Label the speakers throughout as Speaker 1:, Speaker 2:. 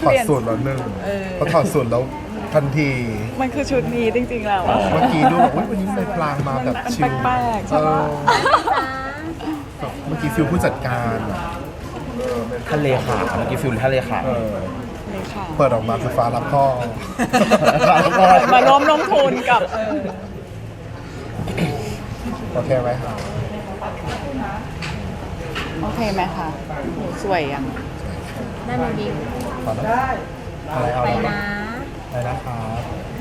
Speaker 1: ถอดสูตรแล้วหนึ่งพอถอดสูตรแล้วทันที
Speaker 2: มันคือชุดนี้จริงๆแล้วอะ
Speaker 1: เมื่อกี้ดูแบบอุ๊ยวันนี้ในพลางมาแบบชิล
Speaker 2: มันแปลกๆใช่ปะ
Speaker 1: เมื่อกี้ฟิลผู้จัดการอะ
Speaker 3: ทะเลขาเมื่อกี้ฟิลทะเลขา
Speaker 2: เลยค่ะ
Speaker 1: เปิดออกมาคือฟ้ารับพ่อ
Speaker 2: มาร่วมลงทุนกับ
Speaker 1: โอเคไหมครับ
Speaker 2: โอเคไหมคะโหสวยยัง
Speaker 4: ได้มาวิว
Speaker 1: ขอได้อะไรเอา
Speaker 4: ไป
Speaker 1: อะไร
Speaker 4: นะ
Speaker 1: อะไรนะครับ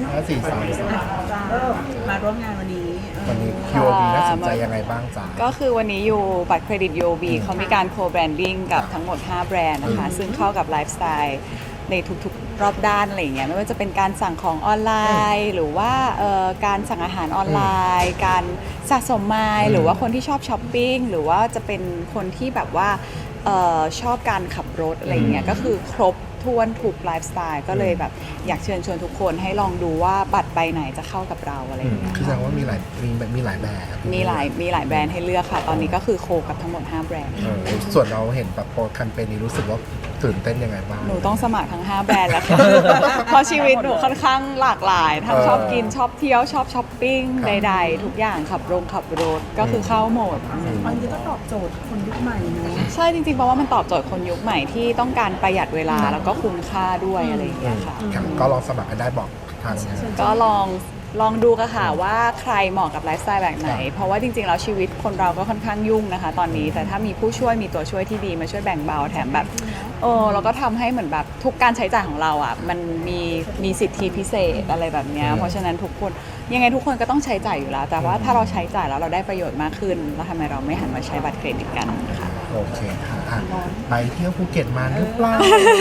Speaker 1: 5433
Speaker 4: มาร่วมงานวันนี้
Speaker 1: วันนี้ QOB น่าสนใจยังไงบ้างจ๊ะ
Speaker 2: ก็คือวันนี้อยู่บัตรเครดิต UOB เขามีการโคแบรนดิ้งกับทั้งหมด 5 แบรนด์นะคะ ซึ่งเข้ากับไลฟ์สไตล์ในทุกๆ รอบด้านอะไรอย่างเงี้ยไม่ว่าจะเป็นการสั่งของออนไลน์ หรือว่าการสั่งอาหารออนไลน์ การสะสมไมล์หรือว่าคนที่ชอบช้อปปิ้งหรือว่าจะเป็นคนที่แบบว่าชอบการขับรถอะไรอย่างเงี้ยก็คือครบถ้วนถูกไลฟ์สไตล์ก็เลยแบบอยากเชิญชวนทุกคนให้ลองดูว่าบัตรใบไหนจะเข้ากับเราอะไรอย่างเงี้ย
Speaker 1: คือแสดงว่ามีหลายแบบ
Speaker 2: มีหลายแบรนด์ให้เลือกค่ะ ตอนนี้ก็คือโคกับทั้งหมด 5 แบรนด์
Speaker 1: ส่วนเราเห็นแบบโปรแคมเปญนี้รู้สึกว่าตื่นเต้นยังไงบ้าง
Speaker 2: หนูต้องสมัครทั้ง 5 แบรนด์แล้วค่ะ เพราะชีวิตหนูค่อนข้างหลากหลายทั้งชอบกินชอบเที่ยวชอบช้อปปิ้งใดๆ ทุกอย่างขับรถก็คือเข้าหมด
Speaker 4: บางทีก็ตอบโจทย์คนยุคใหม่เนอะ
Speaker 2: ใช่จริงๆเพราะว่ามันตอบโจทย์คนยุคใหม่ที่ต้องการประหยัดเวลาแล้วก็คุ้มค่าด้วยอะไรอย่างเงี้ยค่ะ
Speaker 1: ครับก็ลองสมัครกันได้บอกทาง
Speaker 2: ก็ลองดูกันค่ะว่าใครเหมาะกับไลฟ์สไตล์แบบไหน เพราะว่าจริงๆแล้วชีวิตคนเราก็ค่อนข้างยุ่งนะคะ ตอนนี้แต่ถ้ามีผู้ช่วยมีตัวช่วยที่ดีมาช่วยแบ่งเบาแถมแบบเราก็ทำให้เหมือนแบบทุกการใช้จ่ายของเราอ่ะมันมีสิทธิพิเศษอะไรแบบเนี้ยเพราะฉะนั้นทุกคนยังไงทุกคนก็ต้องใช้จ่ายอยู่แล้ว แต่ว่าถ้าเราใช้จ่ายแล้วเราได้ประโยชน์มากขึ้นแล้วทำไมเราไม่หันมาใช้บัตรเครดิตกันค่ะ
Speaker 1: โอเคค่ะอ่ะไปเที่ยวภูเก็ตมาหรือเปล่า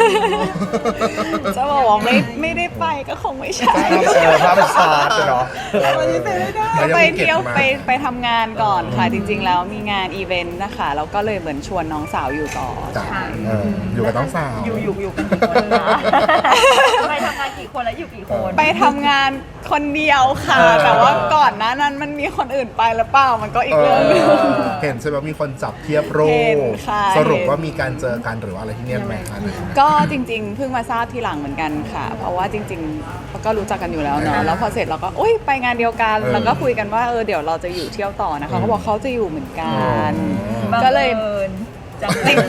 Speaker 2: จะบอกว่าไม่ได้ไปก็คงไม่ใช่
Speaker 3: ภาพเป็นชาร์ตเนาะ
Speaker 2: ไปเที่ยวไปทำงานก่อนค่ะ จริงๆแล้วมีงานอีเวนต์นะคะแล้วก็เลยเหมือนชวนน้องสาวอยู่ต่อ
Speaker 1: จ้ะอยู่กับน้องสาว
Speaker 4: อยู่กันกี่คนนะไปทำงานกี่คนแล้วอยู่กี่คน
Speaker 2: ไปทำงานคนเดียวค่ะ แต่ว่าก่อนหน้านั้นมันมีคนอื่นไปหรือเปล่ามันก็อีกเรื่องหนึง
Speaker 1: เห็นใช่ไหมมีคนจับเทียบโร
Speaker 2: เห็น
Speaker 1: ค
Speaker 2: ค่ะ
Speaker 1: สรุปว่ามีการเจอกันหรือว่าอะไรที่เนี่ยไหมคะ
Speaker 2: ก็จริงๆเพิ่งมาทราบทีหลังเหมือนกันค่ะ เพราะว่าจริงๆเขาก็รู้จักกันอยู่แล้วเนาะแล้วพอเสร็จเราก็อุ้ยไปงานเดียวกันแล้วก็คุยกันว่าเดี๋ยวเราจะอยู่เที่ยวต่อนะคะเขาบอกเขาจะอยู่เหมือนกัน ก็เลย
Speaker 4: จัง
Speaker 2: จริง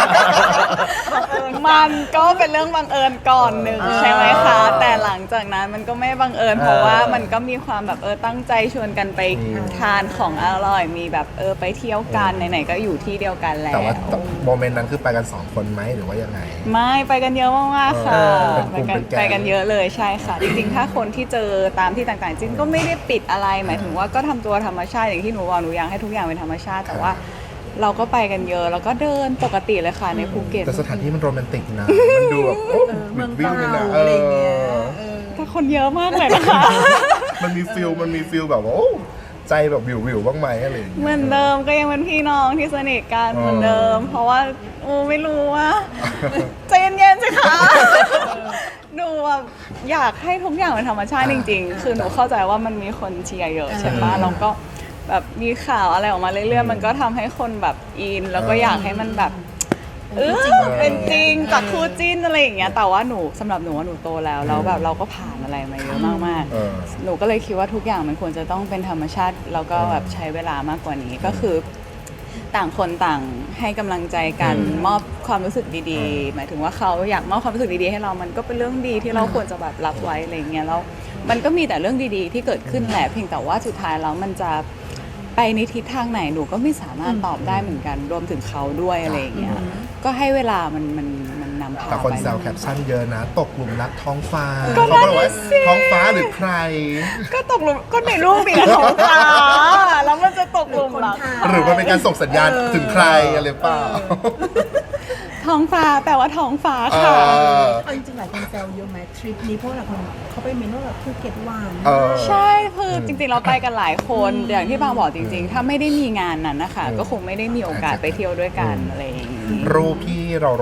Speaker 2: มันก็เป็นเรื่องบังเอิญก่อนหนึ่งใช่ไหมคะ แต่หลังจากนั้นมันก็ไม่บังเอิญเพราะว่ามันก็มีความแบบตั้งใจชวนกันไปทานของอร่อยมีแบบไปเที่ยวกันไหนๆก็อยู่ที่เดียวกันแล้ว
Speaker 1: แต่ว่าโมเมนต์นั้นคือไปกัน2คนไหมหรือว่ายังไง
Speaker 2: ไม่ไปกันเยอะมากๆค่ะ
Speaker 1: เป็นกลุ่มเป็นแก๊ง
Speaker 2: ไปกันเยอะเลยใช่ค่ะ จริงๆ ถ้าคนที่เจอตามที่ต่างๆจริงก็ไม่ได้ปิดอะไรหมายถึงว่าก็ทำตัวธรรมชาติอย่างที่หนูบอกหนูอยากให้ทุกอย่างเป็นธรรมชาติแต่ว่าเราก็ไปกันเยอะแล้วก็เดินปกติเลยค่ะในภูเก็ต
Speaker 1: แต่สถานที่มันโรแมนติกนะ มันดูแบบโอ้
Speaker 4: เมือง
Speaker 1: วิ่ง
Speaker 4: เก่า
Speaker 1: เลยนะ
Speaker 4: อะไรเงี้ย
Speaker 2: แต่คนเยอะมากเลยนะคะ
Speaker 1: มันมีฟิลแบบว่าโอ้ใจแบบวิวบ้างไหมอะไรอย่างเงี้ย
Speaker 2: เหมือนเดิมก็ยังเป็นพี่น้องที่สนิทกันเหมือนเดิม เพราะว่าไม่รู้ว่าใจเย็นๆสิคะหนูแบบอยากให้ทุกอย่างเป็นธรรมชาติจริงๆ คือหนูเข้าใจว่ามันมีคนเชียร์เยอะใช่ปะแล้วก็แบบมีข่าวอะไรออกมาเรื่อยๆมันก็ทำให้คนแบบอิน แล้วก็อยากให้มันแบบเป็นจริงจากคู่จิ้นอะไรอย่างเงี้ยแต่ว่าหนูสำหรับหนูว่าหนูโตแล้วแบบเราก็ผ่านอะไรมาเยอะมากๆ หนูก็เลยคิดว่าทุกอย่างมันควรจะต้องเป็นธรรมชาติแล้วก็แบบใช้เวลามากกว่านี้ก็คือ ต่างคนต่างให้กำลังใจกันมอบความรู้สึกดีๆ หมายถึงว่าเขาอยากมอบความรู้สึกดีๆให้เรามันก็เป็นเรื่องดีที่เราควรจะแบบรับไว้อะไรอย่างเงี้ยแล้วมันก็มีแต่เรื่องดีๆที่เกิดขึ้นแหละเพียงแต่ว่าสุดท้ายแล้วมันจะไปในทิศทางไหนหนูก็ไม่สามารถตอบได้เหมือนกันรวมถึงเขาด้วยอะไรอย่างเงี้ยก็ให้เวลามันนำพา
Speaker 1: แต่คน
Speaker 2: ไป
Speaker 1: แซวแคปชั่นเยอะนะ ตกหลุมรักท้องฟ้า
Speaker 2: ก็
Speaker 1: เขา
Speaker 2: นั่น
Speaker 1: บอกว่า
Speaker 2: น่ะสิ
Speaker 1: ท้องฟ้าหรือใคร
Speaker 2: ก็ตกหลุมก็ในรูปมีแต่ท้องฟ้าแล้วมันจะตกหลุมรัก
Speaker 1: หรือมันเป็นการส่งสัญญาณถึงใครอะไรเปล่า
Speaker 2: ท้องฟ้าแปลว่าท้องฟ้าค่ะ
Speaker 4: เอาจริงๆหลายคนแซวเยอะไหมทริปนี้เพราะหลายคนเขาไปเมนูแบบภูเก็ตหวาน
Speaker 2: ใช่คือจริงๆเราไปกันหลายคนอย่างที่บางบอกจริงๆ ถ้าไม่ได้มีงานนั้นนะคะก็คงไม่ได้มีโอกาสไปเที่ยวด้วยกันอะไรอย่างนี้
Speaker 1: รูปที่เราลง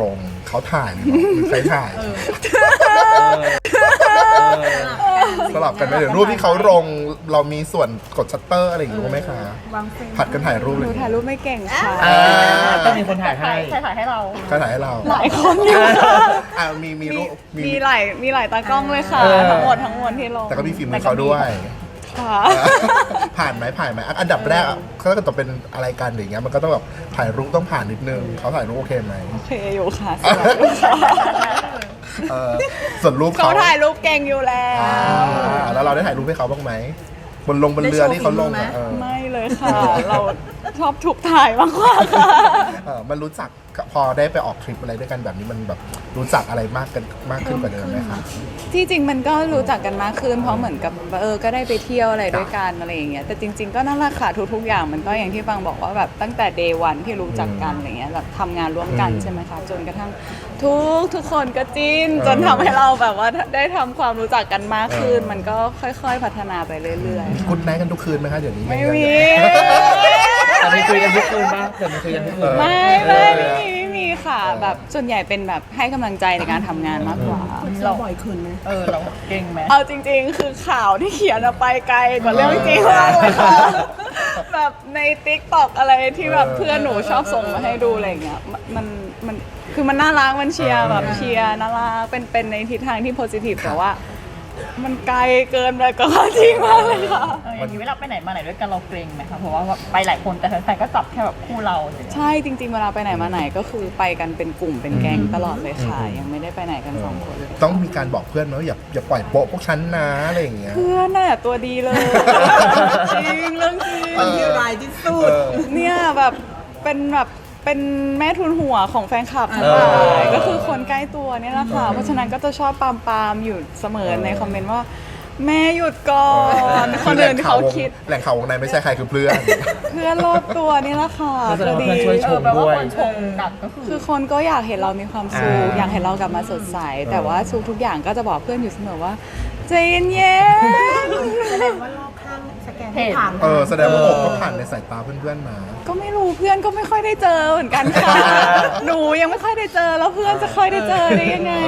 Speaker 1: เขาถ่ายหรือใครถ่ายสลับกันไหมเดี๋ยวรูปที่เขาลงเรามีส่วนกดชัตเตอร์อะไรอย่างงี้ไหมคะ
Speaker 4: วางเฟรม
Speaker 1: ผัดกันถ่ายรูป
Speaker 2: ห
Speaker 1: เล
Speaker 2: นู
Speaker 1: ย
Speaker 2: ถ่ายรูปไม่เก่งค่ะ
Speaker 3: ต้องมีคนถ่ายให้
Speaker 5: ใครถ่ายให้เรา
Speaker 1: ใครถ่ายให้เรา
Speaker 2: หลายคนอยู่ค่ะ
Speaker 1: มีรูป
Speaker 2: มีหลายตากล้องเลยค่ะ ทั้งหมดที่ลง
Speaker 1: แต่ก็มีฝีมือเขาด้วย
Speaker 2: ค่ะ
Speaker 1: ผ่านไหมอันดับแรกเขาก็ต้องเป็นอะไรกันอย่างเงี้ยมันก็ต้องแบบถ่ายรูปต้องผ่านนิดนึงเขาถ่ายรูปโอเคไหม
Speaker 2: โอเคอยู่ค่ะสวยอยู่ค่ะ
Speaker 1: ส่วนรูป
Speaker 2: เขาถ่ายรูปเก่งอยู่แล้ว
Speaker 1: แล้วเราได้ถ่ายรูปให้เขาบ้างไหมบนเรือที่เขาลงอะ
Speaker 2: ไม่เลยค่ะ เราชอบถูกถ่ายมากกว่าค่ะ
Speaker 1: มันรู้จักพอได้ไปออกทริปอะไรด้วยกันแบบนี้มันแบบรู้จักอะไรมากขึ้นกว่าเดิมไหมคะ
Speaker 2: ที่จริงมันก็รู้จักกันมากขึ้นเพราะเหมือนกับก็ได้ไปเที่ยวอะไรด้วยกันอะไรอย่างเงี้ยแต่จริง ๆก็นั่นแหละค่ะทุกๆอย่างมันก็อย่างที่ฟังบอกว่าแบบตั้งแต่ day 1ที่รู้จักกันอะไรเงี้ยแบบทำงานร่วมกันใช่ไหมคะจนกระทั่งทุกคนก็จิ้นจนทำให้เราแบบว่าได้ทำความรู้จักกันมากขึ้น มันก็ค่อยๆพัฒนาไปเรื่อยๆ
Speaker 1: คุณแม่กันทุกคืนไหมคะเดี๋ยวนี้
Speaker 2: ไม่มี
Speaker 3: แต่มีคุยกันทุกคืนป่ะแต่มีคุยกันทุกคืน
Speaker 2: ไม่มีค่ะแบบส่วนใหญ่เป็นแบบให้กำลังใจในการทำงานมากกว่า
Speaker 4: เราบ่อยขึ้นไหม
Speaker 5: เราเก่งไหม
Speaker 2: เอาจริงๆ คือข่าวที่เขียนอะไปไกลกว่าเรื่องจริงมากเลยค่ะ แบบใน TikTok อะไรที่แบบเพื่อนหนูชอบส่งมาให้ดูอะไรอย่างเงี้ยมันคือมันน่ารักมันเชียร์แบบเชียร์น่ารักเป็นในทิศทางที่โพสิทีฟแต่ว่า มันไกลเกินไปกับความจริงมากเลยค่ะ
Speaker 5: อย่างนี้เวลาไปไหนมาไหนด้วยกันเราเกรงไหมคะเพราะว่าไปหลายคนแต่แฟนๆก็จับแค่แบบคู่เราเลย
Speaker 2: ใช่จริงๆ เวลาไปไหนมาไหนก็คือไปกันเป็นกลุ่มเป็นแก๊งตลอดเลยค่ะ ยังไม่ได้ไปไหนกันสองคน
Speaker 1: ต้องมีการบอกเพื่อนไหมว่าอย่าปล่อยโป๊ะพวกฉันนะอะไรอย่างเงี้ย
Speaker 2: เพื่อนน่ะตัวดีเลย จริงเรื่องจริง
Speaker 4: คนที่ร้ายที่สุด
Speaker 2: เนี่ยแบบเป็นแม่ทุนหัวของแฟนคลับทั้งหลายก็คือคนใกล้ตัวเนี่ยแหละค่ะเพราะฉะนั้นก็จะชอบปามอยู่เสมอในคอมเมนต์ว่า แม่หยุดก่อนคนอื่นเขาคิด
Speaker 1: แหล่งข่าววงในไม่ใช่ใครคือเพื่อน
Speaker 2: เพื่อนรอบตัวนี่แหละค่ะ
Speaker 3: ก็แสดง
Speaker 2: ตัว
Speaker 3: ว่า
Speaker 2: ดี
Speaker 3: เพื่อนช่วยชม
Speaker 5: แปลว่า
Speaker 3: ด้วย
Speaker 5: คนชมกลับก็คือ
Speaker 2: คือคนก็อยากเห็นเรามีความสุข
Speaker 3: อ่า
Speaker 2: อยากเห็นเรากลับมาสดใส แต่ว่าทุกอย่างก็จะบอกเพื่อนอยู่เสมอว่าใจเย็น
Speaker 4: แสดงว่ารอบข้างสแกนไม่ผ่าน
Speaker 1: แสดงว่าโอบก็ผ่านในสายตาเพื่อนๆมา
Speaker 2: ๆก็ไม่รู้เพื่อนก็ไม่ค่อยได้เจอเหมือนกันค่ะ หนูยังไม่ค่อยได้เจอแล้วเพื่อนจะค่อยได้เจอได้ยังไง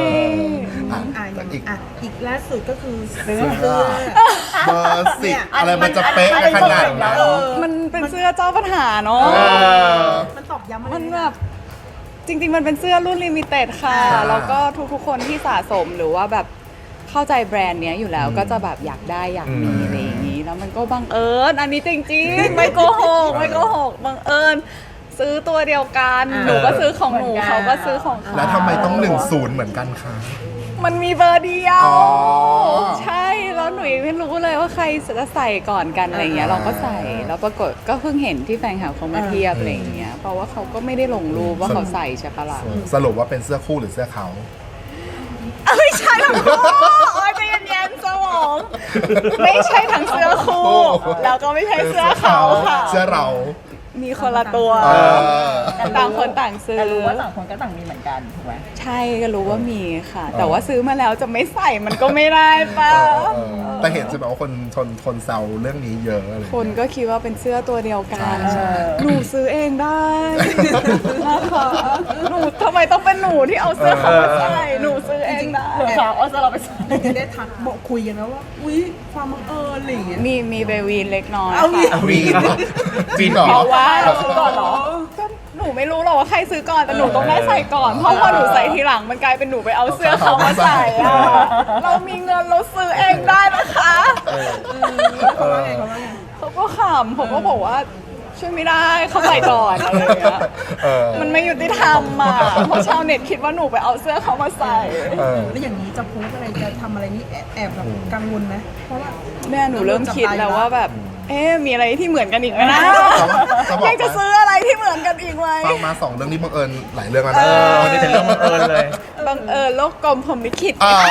Speaker 4: อีกล่าสุดก็คือ
Speaker 1: เสื้อเบอร์สิบอะไรมันจะเป๊ะขนาดนั้น
Speaker 2: มันเป็นเสื้อเจ้าปัญหาเนาะ
Speaker 4: มันตอกย้ำอะไร
Speaker 2: มันแบบจริงๆ มันเป็นเสื้อรุ่นลิมิเต็ดค่ะ แล้วก็ทุกๆ คนที่สะสมหรือว่าแบบเข้าใจแบรนด์เนี้ยอยู่แล้วก็จะแบบอยากได้อยากมีอะไรอย่างนี้ แล้วมันก็บังเอิญอันนี้จริงๆ ไม่โกหกบังเอิญซื้อตัวเดียวกันหนูก็ซื้อของหนูเขาก็ซื้อของเขา
Speaker 1: แล้วทำไมต้อง10เหมือนกันคะ
Speaker 2: มันมีเบอร์เดียว
Speaker 1: อ๋อ
Speaker 2: ใช่แล้วหนูยังไม่รู้เลยว่าใครจะใส่ก่อนกันอะไรเงี้ยเราก็ใส่แล้วปรากฏก็เพิ่งเห็นที่แฟนคลับเขามาเทียบอะไรเงี้ยเพราะว่าเขาก็ไม่ได้ลงรูปว่าเขาใส่ใช่ปะล่ะ
Speaker 1: สรุปว่าเป็นเสื้อคู่หรือเสื้อเขา
Speaker 2: ไม่ใช่ทั้งคู่โอ้ยใจเย็นๆสมอง ไม่ใช่ทั้งเสื้อคู่ แล้วก็ไม่ใช่เสื้อเขาค่ะ
Speaker 1: เสื้อเรา
Speaker 2: มีคนละตัว ต่างคนต่างซื้อ
Speaker 5: แต่รู้ว่าต่างคนก็ต่างมีเหมือนกันถูกไหม
Speaker 2: ใช่ก็รู้ว่ามีค่ะ แต่ว่าซื้อมาแล้วจะไม่ใส่มันก็ไม่ได้ป่ะ
Speaker 1: แต่เห็นใช่ไหมว่าคนแซวเรื่องนี้เยอะอะไรอย่าง
Speaker 2: คน
Speaker 1: เงี้ย
Speaker 2: ก็คิดว่าเป็นเสื้อตัวเดียวกันหนูซื้อเองได้นะคะหนูทำไมต้องเป็นหนูที่เอาเสื้อเขามาใส่หนูซื้อเองได้
Speaker 5: เผื่อเขาเอาเราไปใส่
Speaker 4: จะได้ทักบอกคุยกันนะว่า อุ๊ย ความบังเอิญอะไรอย่างเงี้ย
Speaker 2: มีเบวีนเล็กน้อย
Speaker 4: เอามี
Speaker 2: ค่ะ
Speaker 1: วีนวีนเหรอ
Speaker 2: เพราะว่า
Speaker 5: เราซื้อก่อนเหรอ
Speaker 2: ก็หนูไม่รู้หรอกว่าใครซื้อก่อนแต่หนูต้องได้ใส่ก่อนเพราะพอหนูใส่ทีหลังมันกลายเป็นหนูไปเอาเสื้อเขามาใส่อะเรามีเงินเราซื้อเองได้นะคะ
Speaker 4: เขาว่าไงเขาว่าไง
Speaker 2: เขาก็ขำผมก็บอกว่าช่วยไม่ได้เขาใส่ก่อนอะไรอย่างเงี้ย มันไม่ยุติธรรมอ่ะเพราะชาวเน็ตคิดว่าหนูไปเอาเสื้อเขามาใส่
Speaker 4: แล้วอย่างนี้จะโพสอะไรจะทำอะไรนี่แอบแบบกังวลไหมเพราะว่า
Speaker 2: แม่หนูเริ่มคิดแล้วว่าแบบ มีอะไรที่เหมือนกันอีกไหมนะ
Speaker 1: จะบอก
Speaker 2: ยังจะซื้ออะไรที่เหมือนกันอีกไหม
Speaker 1: ฟังมา2เรื่องนี้บังเอิญหลายเรื่องแล้วนะ
Speaker 3: วันนี้เป็นเรื่องบังเอิญเลย
Speaker 2: บังเอิญโลกกลมผมลิขิต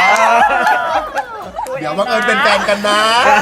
Speaker 1: เดี๋ยวบังเอิญเป็นแฟนกันนะ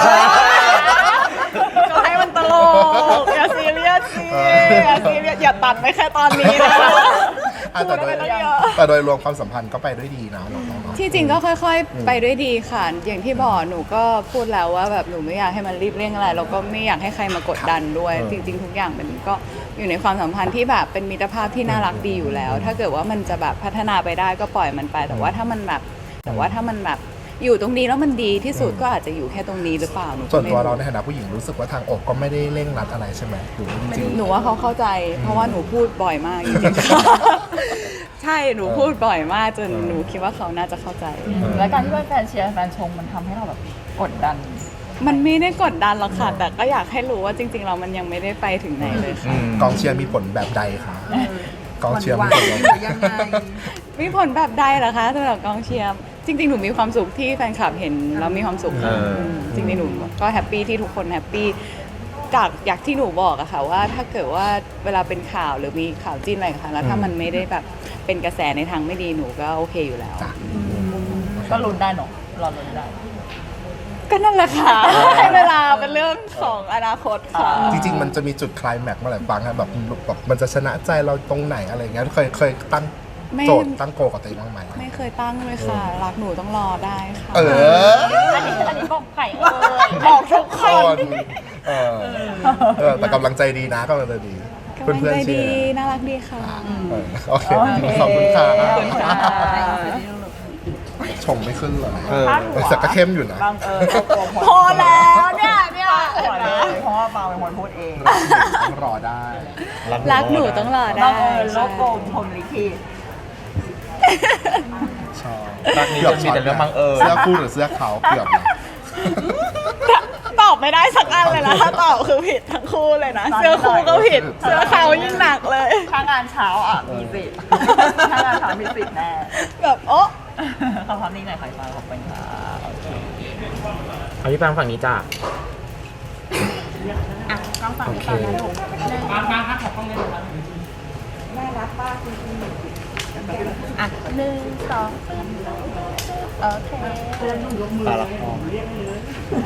Speaker 2: ก็ให้มันตลกอย่าซีเรียสสิอย่าซีเรียสอย่าตัดไปแค่ตอนนี้นะพูดไปตั้งเยอะ
Speaker 1: แต่โดยรวมความสัมพันธ์ก็ไปด้วยดีนะน้องๆ
Speaker 2: ที่จริงก็ค่อยๆ ไปด้วยดีค่ะ อย่างที่บอกหนูก็พูดแล้วว่าแบบหนูไม่อยากให้มันรีบเร่งอะไรแล้วก็ไม่อยากให้ใครมากดดันด้วย จริงๆ ทุกอย่างมันก็อยู่ในความสัมพันธ์ที่แบบเป็นมิตรภาพที่น่ารักดีอยู่แล้ว ถ้าเกิดว่ามันจะแบบพัฒนาไปได้ก็ปล่อยมันไป แต่ว่าถ้ามันแบบอยู่ตรงนี้แล้วมันดีที่สุดก็อาจจะอยู่แค่ตรงนี้หรือเปล่าหนูก็
Speaker 1: ส่วน
Speaker 2: ไม่
Speaker 1: ตัว
Speaker 2: รู้
Speaker 1: เราในฐานะผู้หญิงรู้สึกว่าทางอกก็ไม่ได้เร่งรัดอะไรใช่ไหมหรือจริง
Speaker 2: หนูว่าเขาเข้าใจ เพราะว่าหนูพูดบ่อยมากจริงๆ ใช่หนูพูดบ่อยมากจนหนูคิดว่าเขาน่าจะเข้าใจ
Speaker 5: แล้วการที่แฟนเชียร์แฟนชมมันทำให้เราแบบกดดัน
Speaker 2: มันไม่ได้กดดันหรอกค่ะ แต่ก็อยากให้รู้ว่าจริงๆเรามันยังไม่ได้ไปถึงไหนเลยค่ะ
Speaker 1: กองเชียร์มีผลแบบใดคะกองเชียร์มีผลแบบ
Speaker 4: หรือยังไง
Speaker 2: มีผลแบบใดเหรอคะสำหรับกองเชียร์จริงๆหนูมีความสุขที่แฟนคลับเห็นแล้วมีความสุขค่ะจริงๆหนูก็แฮปปี้ที่ทุกคนแฮปปี้จากอย่างที่หนูบอกอะค่ะว่าถ้าเกิดว่าเวลาเป็นข่าวหรือมีข่าวจิ้นอะไรค่ะแล้วถ้ามันไม่ได้แบบเป็นกระแสในทางไม่ดีหนูก็โอเคอยู่แล้ว
Speaker 5: ก็ลุ้นได้เนาะรอลุ้นได้
Speaker 2: ก็นั่นแหละค่ะ ให้เวลาเป็นเรื่องของอนาคตค่ะ
Speaker 1: จริงๆมันจะมีจุดไคลายแม็กซ์เมื่อไหร่ฟังครับแบบมันจะชนะใจเราตรงไหนอะไรเงี้ยเคยตั้ง
Speaker 2: ไม่
Speaker 1: โจทย์ตั้งโกลกับตัวเองบ้างไหม
Speaker 2: ไม่เคยตั้งเลยค่ะ รักหนูต้องรอได้ค่ะ
Speaker 1: เออ
Speaker 5: อันนี้บอกไข่ย
Speaker 2: บอกทุกคน
Speaker 1: เออแต่กำลังใจดีนะกำลังใจดี
Speaker 2: กำลัง
Speaker 1: เพื่อน
Speaker 2: ใจ
Speaker 1: ๆเชี
Speaker 2: ดี
Speaker 1: ยร์
Speaker 2: น่ารักดีค่ะ
Speaker 1: โอเคขอบคุณค่ะ
Speaker 2: ขอบคุณค่ะ
Speaker 1: ชมไม่ขึ้นเลย
Speaker 5: พาดหัว
Speaker 1: แต่ก็เข้มอยู่นะ
Speaker 5: บางเรากลัว
Speaker 2: พอแล้วเนี่ย
Speaker 5: หัวเลยเพราะว่าบางเป็นคนพูดเอง
Speaker 1: ต้องรอได้
Speaker 2: รักหนูต้องรอได้
Speaker 5: บางโลโก้พรหมลิขิต
Speaker 1: ชอบ
Speaker 3: รักนี้จะมีแต่เรื่องบังเอิญ
Speaker 1: เสื้อคู่หรือเสื้อขาวเกือบนะ
Speaker 2: ตอบไม่ได้สักอันเลยนะถ้าตอบคือผิดทั้งคู่เลยนะ เสื้อคู่ก็ผิด เสื้อขาวยิ่งหนักเลย
Speaker 5: ถ้างานเช้าอ่ะมีสิทธิ์ถ้างานเช้ามีสิทธิ์แน่
Speaker 2: แบบโอ๊ะ
Speaker 5: ขอความนิ่งหน่อยค่ะฟ้าขอบคุณค่ะโอเค
Speaker 3: เอาพี่ปางฝั่งนี้จ้ะ
Speaker 5: อ่ะกล้องฝั่งนี้ต่อนะลูกอ่ะ1 2 โอเค
Speaker 3: ปลาละคร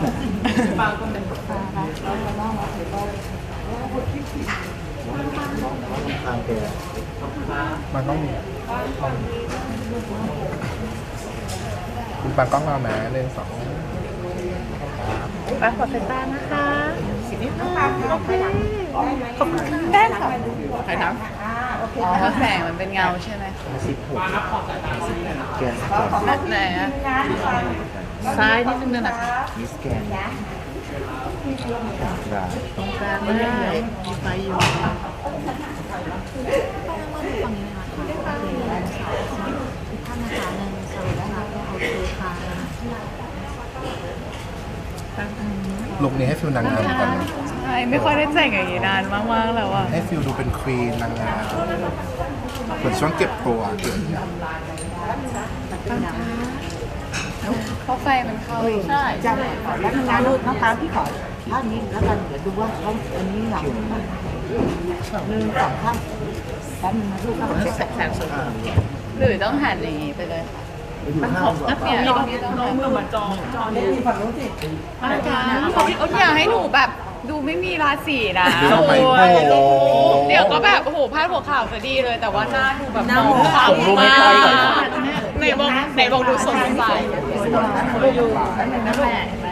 Speaker 1: มันต้องมีคุณปางกล้องเราแม้หนึ่งสอง
Speaker 5: ไปขอเป็นบ้านนะคะนิดนึงโอเค
Speaker 2: ได้ค่ะใครทำอ๋อเพราะแสงมันเป็นเงาใช่ไหม
Speaker 3: แกน
Speaker 2: ไหนอะซ้ายนิดนึงนะ
Speaker 3: มิสแกนได้
Speaker 2: ตรงกลางไม่ได้มีไฟอยู่
Speaker 1: ลุคนี้ให้ฟิลนางงามก่อนนะ
Speaker 2: ใช่ไม่ค่อยได้แต่งอย่างนี้นานมากๆแล้วอะ
Speaker 1: ให้ฟิลดูเป็นควีนนางงามเหมือนช่วงเก็บตัวเกิด
Speaker 2: เพราะไฟมันเข้าอีก
Speaker 5: ใช่
Speaker 4: จะแล้วงานลูกน้องตาพี่ขอท่านี้แล้วกันเดี๋ยวดูว่าเขาอันนี้หลัง1 2 ข้างแป๊บนึงนะลูกเขาจะแสงสุด
Speaker 2: หรือต้องหันอย่างนี้ไปเลยค่ะเนี่ยน้องมือเหมือนจอนี่ฝั่งนู้นสิอยากให้หนูแบบดูไม่มีราศีนะ
Speaker 1: ทำไมโอ้โห
Speaker 2: เดี๋ยวก็แบบโอ้โหพาดหัวข่าวซะดีเลย แต่ว่าหน้าดูแบบมองขาว
Speaker 3: รูปไม่ค่อยก่อน
Speaker 2: ไหนบอกดูสดใส
Speaker 5: อยู่นั่นแหละเห็นไหม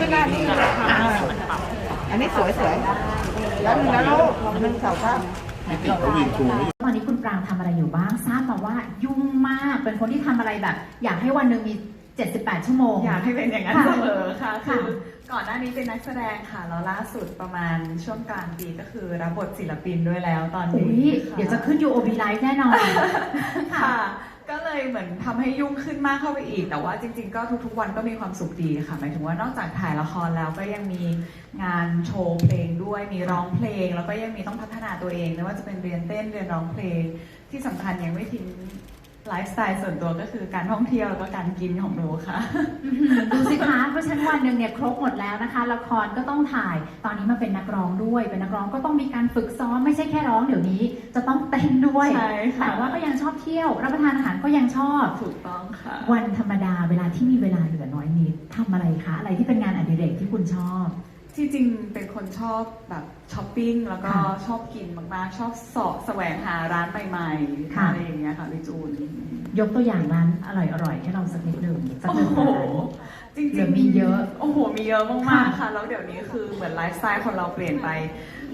Speaker 4: อันนี้สวยแล้วนึงนะลูก1 2 ข้าง
Speaker 1: แล้ววินทูไม่
Speaker 6: ตอนนี้คุณปรางทำอะไรอยู่บ้างทราบมาว่ายุ่งมากเป็นคนที่ทำอะไรแบบ อยากให้วันหนึ่งมี 78 ชั่วโมง
Speaker 2: อยากให้เป็นอย่างนั้น
Speaker 6: ค่ะ
Speaker 2: เสมอค่ะ
Speaker 6: ค่ะ
Speaker 2: คือก่อนหน้านี้เป็นนักแสดงค่ะแล้วล่าสุดประมาณช่วงกลางปีก็คือรับบทศิลปินด้วยแล้วตอน
Speaker 6: อุ๊
Speaker 2: นี้
Speaker 6: ยเดี๋ยวจะขึ้น UOB Live แน่นอน
Speaker 2: ค่ะ ก็เลยเหมือนทำให้ยุ่งขึ้นมากเข้าไปอีก แต่ว่าจริงๆ ก็ทุกๆวันก็มีความสุขดีค่ะ หมายถึงว่านอกจากถ่ายละครแล้วก็ยังมีงานโชว์เพลงด้วย มีร้องเพลง แล้วก็ยังมีต้องพัฒนาตัวเองไม่ว่าจะเป็นเรียนเต้นเรียนร้องเพลง ที่สำคัญยังไม่ทิ้งไลฟ์สไตล์ส่วนตัวก็คือการท่องเที่ยวแล้วก็การกินของหนูค่ะ
Speaker 6: ดูสิคะเพราะฉะนั้นวันหนึ่งเนี่ยครบหมดแล้วนะคะ ละครก็ต้องถ่าย ตอนนี้มาเป็นนักร้องด้วย เป็นนักร้องก็ต้องมีการฝึกซ้อมไม่ใช่แค่ร้องเดี๋ยวนี้ จะต้องเต้นด้วย
Speaker 2: ใช่ค่ะ
Speaker 6: แต่ว่าก็ยังชอบเที่ยว รับประทานอาหารก็ยังชอบ
Speaker 2: ถูกต้องค่ะ
Speaker 6: วันธรรมดาเวลาที่มีเวลาเหลือน้อยนิดทำอะไรคะ อะไรที่เป็นงานอดิเรกที่คุณชอบ
Speaker 2: ที่จริงเป็นคนชอบแบบช้อปปิ้งแล้วก็
Speaker 6: ค่ะ
Speaker 2: ชอบกินมากๆ ชอบเสาะแสวงหาร้านใหม่ๆ
Speaker 6: ค่ะ
Speaker 2: อะไรอย่างเงี้ยค่ะพี่จูน
Speaker 6: ยกตัวอย่างร้านอร่อยๆให้เราสักนิดหนึ่งสัก
Speaker 2: โอ้
Speaker 6: หนึ่ง
Speaker 2: โห
Speaker 6: ร้าน
Speaker 2: จริง
Speaker 6: เดี๋ยว
Speaker 2: ๆ
Speaker 6: มีเยอะ
Speaker 2: โอ้โหมีเยอะมาก
Speaker 6: ค่ะ
Speaker 2: ๆค่ะแล้วเดี๋ยวนี้คือเหมือนไลฟ์สไตล์คนเราเปลี่ยนไป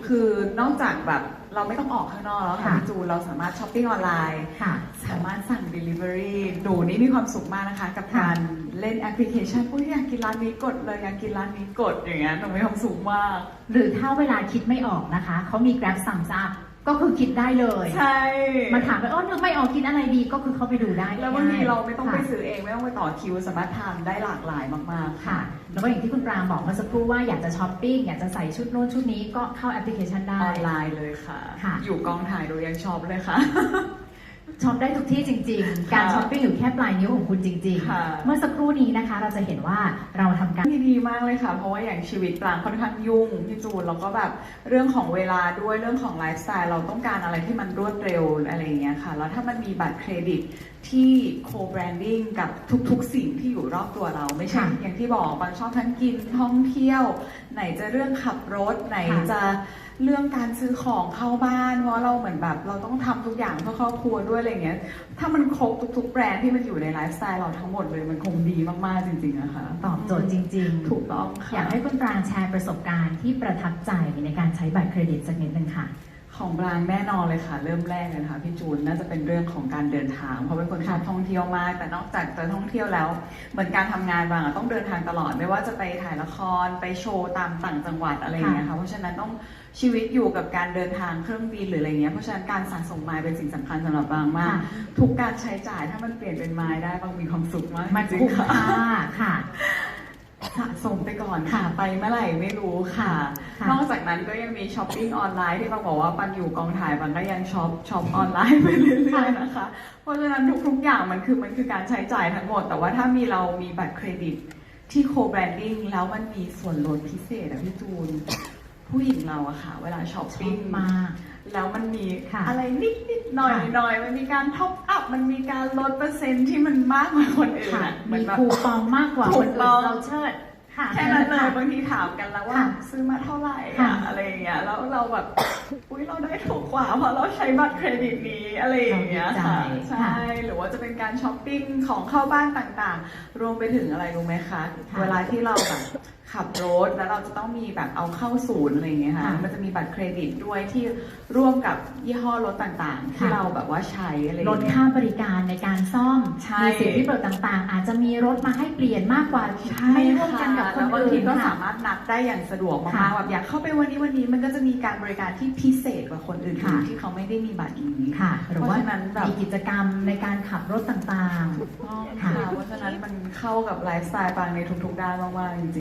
Speaker 2: คือนอกจากแบบเราไม่ต้องออกข้างนอกแล้วค่ะ
Speaker 6: ค่ะ
Speaker 2: พี่จูนเราสามารถช้อปปิ้งออนไลน์
Speaker 6: ค่ะ
Speaker 2: สามารถสั่ง Delivery หนูนี่มีความสุขมากนะคะ กับการเล่นแอปพลิเคชันอุ้ยอยากกินร้านนี้กดเลยอยากกินร้านนี้กดอย่างเงี้ยหนูมีความสุขมาก
Speaker 6: หรือถ้าเวลาคิดไม่ออกนะคะเขามี Grab สั่งซับก็คือคิดได้เลย
Speaker 2: ใช่
Speaker 6: มาถามว่านึกไม่ออกกินอะไรดีก็คือเขาไปดูได้
Speaker 2: แล้วบางทีเราไม่ต้องไป
Speaker 6: ค่ะ
Speaker 2: ซื้อเองไม่ต้องไปต่อคิวสามารถทานได้หลากหลายมากๆ
Speaker 6: ค่ะ แล้วก็อย่างที่คุณปรางบอกเมื่อสักครู่ว่าอยากจะช้อปปิ้งอยากจะใส่ชุดโน้นชุดนี้ก็เข้าแอปพลิเคชันได้
Speaker 2: ออนไลน์เลยค่ะ
Speaker 6: ค่ะ
Speaker 2: อยู่กองถ่ายดูยังช็อปเลยค่ะ
Speaker 6: ช็อปได้ทุกที่จริง ๆ การช้อปปิ้งอยู่แค่ปลายนิ้วของคุณจริง
Speaker 2: ค่ะ
Speaker 6: ๆ เมื่อสักครู่นี้นะคะ เราจะเห็นว่าเราทำการ
Speaker 2: ที่ดีมากเลยค่ะ เพราะว่าอย่างชีวิตปรางค่อนข้างยุ่งพี่จูนแล้วก็แบบเรื่องของเวลาด้วยเรื่องของไลฟ์สไตล์เราต้องการอะไรที่มันรวดเร็วอะไรอย่างเงี้ยค่ะ แล้วถ้ามันมีบัตรเครดิตที่โคแบรนดิ้งกับทุกๆสิ่งที่อยู่รอบตัวเราไม่ใช่
Speaker 6: ค่ะ
Speaker 2: อย่างที่บอกบางชอบทั้งกินท่องเที่ยว ไหนจะเรื่องขับรถไหน
Speaker 6: ค่ะ
Speaker 2: จะเรื่องการซื้อของเข้าบ้านเพราะเราเหมือนแบบเราต้องทำทุกอย่างเพื่อครอบครัวด้วยอะไรเงี้ยถ้ามันครบทุกๆแบรนด์ที่มันอยู่ในไลฟ์สไตล์เราทั้งหมดเลยมันคงดีมากๆจริงๆนะคะ
Speaker 6: ตอบโจทย์จริงๆ
Speaker 2: ถูกต้องค่ะ
Speaker 6: อยากให้คุณปรางแชร์ประสบการณ์ที่ประทับใจในการใช้บัตรเครดิตสักนิดนึงค่ะ
Speaker 2: ของบรางแน่นอนเลยค่ะ เริ่มแรกเลยนะคะพี่จูนน่าจะเป็นเรื่องของการเดินทางเพราะเป็นคนชอบท่องเที่ยวมาก แต่นอกจากจะท่องเที่ยวแล้ว เหมือนการทำงานบางอะต้องเดินทางตลอดไม่ว่าจะไปถ่ายละครไปโชว์ตามต่างจังหวัดอะไรอย่างเงี้ยค่ะเพราะฉะนั้นต้องชีวิตอยู่กับการเดินทางเครื่องบินหรืออะไรเงี้ยเพราะฉะนั้นการสะสมไมล์เป็นสิ่งสำคัญสำหรับบางมาก
Speaker 6: ค่ะ
Speaker 2: ทุกการใช้จ่ายถ้ามันเปลี่ยนเป็นไมล์ได้บางมีความสุขมาก
Speaker 6: มัน
Speaker 2: จริง
Speaker 6: คุ้ม
Speaker 2: ๆค่ะ
Speaker 6: ค่าค่ะ
Speaker 2: สะสมไปก่อนค่ะไปเมื่อไหร่ไม่รู้ค่ะ
Speaker 6: ค่ะ
Speaker 2: นอกจากนั้นก็ยังมีช้อปปิ้งออนไลน์ที่บางบอกว่าปันอยู่กองถ่ายปันก็ยังช็อปออนไลน์ไปเรื่อยๆนะคะ เพราะฉะนั้นทุกๆอย่างมันคือการใช้จ่ายทั้งหมด แต่ว่าถ้าเรามีบัตรเครดิตที่โคแบรนดิ้งแล้วมันมีส่วนลดพิเศษอะพี่จูน ผู้หญิงเราอะค่ะ เวลาช้อป
Speaker 6: ชอ
Speaker 2: ปิ้ง
Speaker 6: บมาก
Speaker 2: แล้วมันมี
Speaker 6: ค่ะ
Speaker 2: อะไรนิดๆหน่อยๆมันมีการท็อปอัพมันมีการลดเปอร์เซ็นต์ที่มันมากกว่าคนอื่น
Speaker 6: ค่ะ
Speaker 2: อะเหมือ
Speaker 6: มี
Speaker 2: นแบบ
Speaker 6: คูปองมากกว่า
Speaker 2: ถู
Speaker 6: ค
Speaker 2: ก
Speaker 6: น
Speaker 2: ต้
Speaker 6: อื่
Speaker 2: อง
Speaker 6: นเราเชิดค่ะ
Speaker 2: แค่นั้นเลย
Speaker 6: ค่ะ
Speaker 2: บางทีถามกันแล้วว่า
Speaker 6: ค่ะ
Speaker 2: ซื้อมาเท่าไหร่
Speaker 6: ค่ะ
Speaker 2: อะอะไรอย่างเงี้ยแล้วเราแบบ อุ๊ยเราได้ถูกกว่าเพราะเราใช้บัตรเครดิตนี้อะไรอย่างเงี้ยค่ะ
Speaker 6: เราดีใจ
Speaker 2: ใช่หรือว่าจะเป็นการช้อปปิ้งของเข้าบ้านต่างๆ รวมไปถึงอะไรรู้ไหมคะ
Speaker 6: ค่ะ
Speaker 2: เวลาที่เราแบบขับรถแล้วเราจะต้องมีแบบเอาเข้าศูนย์อะไรอย่างเงี้ยค่ะ
Speaker 6: ค่ะ
Speaker 2: มันจะมีบัตรเครดิตด้วยที่ร่วมกับยี่ห้อรถต่างๆ ที่
Speaker 6: ค่ะ
Speaker 2: เราแบบว่าใช้อะไรอย่า
Speaker 6: ล
Speaker 2: ง
Speaker 6: ด
Speaker 2: เงี้ย
Speaker 6: ค่าบริการในการซ่อม
Speaker 2: ใช่
Speaker 6: มีสิทธิประโยชน์ต่างๆ อาจจะมีรถมาให้เปลี่ยนมากกว่า
Speaker 2: ใช่
Speaker 6: ไม่ร่วมกันกับคน
Speaker 2: แล้วบาง
Speaker 6: อื่
Speaker 2: ที
Speaker 6: น
Speaker 2: ก็
Speaker 6: ค่ะ
Speaker 2: สามารถนัดได้อย่างสะดวก
Speaker 6: ค่ะ
Speaker 2: มากๆแบบอยากเข้าไปวันนี้มันก็จะมีการบริการที่พิเศษกว่าคนอื่น
Speaker 6: ค่ะ
Speaker 2: ที่เขาไม่ได้มีบัตรนี้
Speaker 6: ค่ะ หรือว่า
Speaker 2: เพราะฉะนั้นแบบ
Speaker 6: มีกิจกรรมในการขับรถต่าง
Speaker 2: ถูกต้อง
Speaker 6: ค่ะ
Speaker 2: ค่ะเพราะฉะนั้นมันเข้ากับไลฟ์สไตล์บางในทุกๆด้านมากๆจริงๆ